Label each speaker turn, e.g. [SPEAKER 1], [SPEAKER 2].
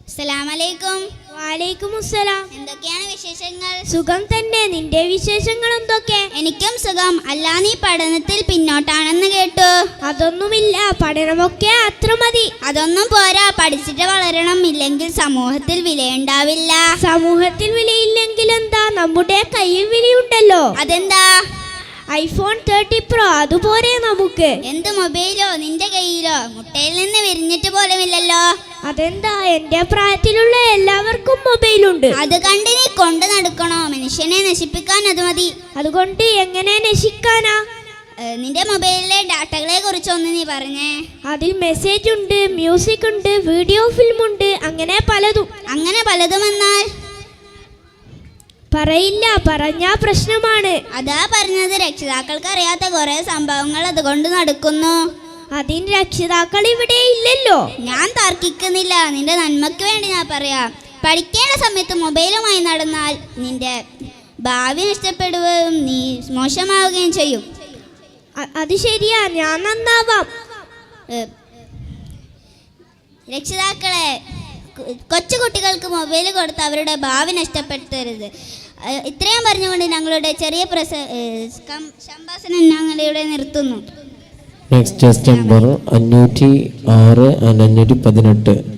[SPEAKER 1] അസ്സലാമലൈക്കും.
[SPEAKER 2] വലൈക്കുമുസ്സലാം.
[SPEAKER 1] എന്തൊക്കെയാണ് വിശേഷങ്ങൾ?
[SPEAKER 2] സുഖം തന്നെ. നിന്റെ വിശേഷങ്ങൾ എന്തൊക്കെ?
[SPEAKER 1] എനിക്കും സുഖം. അല്ല, നീ പഠനത്തിൽ പിന്നോട്ടാണെന്ന് കേട്ടു.
[SPEAKER 2] അതൊന്നുമില്ല, പഠനമൊക്കെ അത്ര മതി.
[SPEAKER 1] അതൊന്നും പോരാ, പഠിച്ചിട്ട് വളരണം, ഇല്ലെങ്കിൽ സമൂഹത്തിൽ വിലയുണ്ടാവില്ല.
[SPEAKER 2] സമൂഹത്തിൽ വിലയില്ലെങ്കിൽ എന്താ, നമ്മുടെ കയ്യിൽ വിലയുണ്ടല്ലോ.
[SPEAKER 1] അതെന്താ?
[SPEAKER 2] iPhone 30 Pro അതുപോലെ നമുക്ക്.
[SPEAKER 1] എന്ത് മൊബൈലോ നിന്റെ കയ്യിലോ? മുട്ടയിൽ നിന്ന് വിരിഞ്ഞിട്ട് പോലുമില്ലല്ലോ.
[SPEAKER 2] അതെന്താ, എന്റെ പ്രായത്തിലുള്ള എല്ലാവർക്കും മൊബൈലുണ്ട്.
[SPEAKER 1] അത് കണ്ട് നീ കൊണ്ട് നടക്കണോ? മനുഷ്യനെ നശിപ്പിക്കാൻ അത് മതി.
[SPEAKER 2] അതുകൊണ്ട് എങ്ങനെ നശിക്കാനാ?
[SPEAKER 1] നിന്റെ മൊബൈലിലെ ഡാറ്റകളെ കുറിച്ചൊന്ന് നീ പറഞ്ഞേ.
[SPEAKER 2] അതിൽ മെസ്സേജ് ഉണ്ട്, മ്യൂസിക് ഉണ്ട്, വീഡിയോ ഫിലിം ഉണ്ട്, അങ്ങനെ പലതും.
[SPEAKER 1] അങ്ങനെ പലതും എന്നാൽ?
[SPEAKER 2] പറയില്ല, പറഞ്ഞാ പ്രശ്നമാണ്.
[SPEAKER 1] അതാ പറഞ്ഞത്, രക്ഷിതാക്കൾക്ക് അറിയാത്ത കുറെ സംഭവങ്ങൾ അതുകൊണ്ട് നടക്കുന്നു.
[SPEAKER 2] അതിന് രക്ഷിതാക്കൾ ഇവിടെ ഇല്ലല്ലോ.
[SPEAKER 1] ഞാൻ തർക്കിക്കുന്നില്ല, നിന്റെ നന്മയ്ക്ക് വേണ്ടി ഞാൻ പറയാം. പഠിക്കേണ്ട സമയത്ത് മൊബൈലുമായി നടന്നാൽ നിന്റെ ഭാവി നഷ്ടപ്പെടുകയും നീ മോശമാവുകയും ചെയ്യും.
[SPEAKER 2] അത് ശരിയാ, ഞാൻ നന്നാവാം.
[SPEAKER 1] രക്ഷിതാക്കളെ, കൊച്ചുകുട്ടികൾക്ക് മൊബൈൽ കൊടുത്ത് അവരുടെ ഭാവി നഷ്ടപ്പെടുത്തരുത്. ഇത്രയും പറഞ്ഞുകൊണ്ട് ഞങ്ങളുടെ ചെറിയ സംഭാഷണം ഞങ്ങളിവിടെ നിർത്തുന്നു.
[SPEAKER 3] Next number 506 and 518.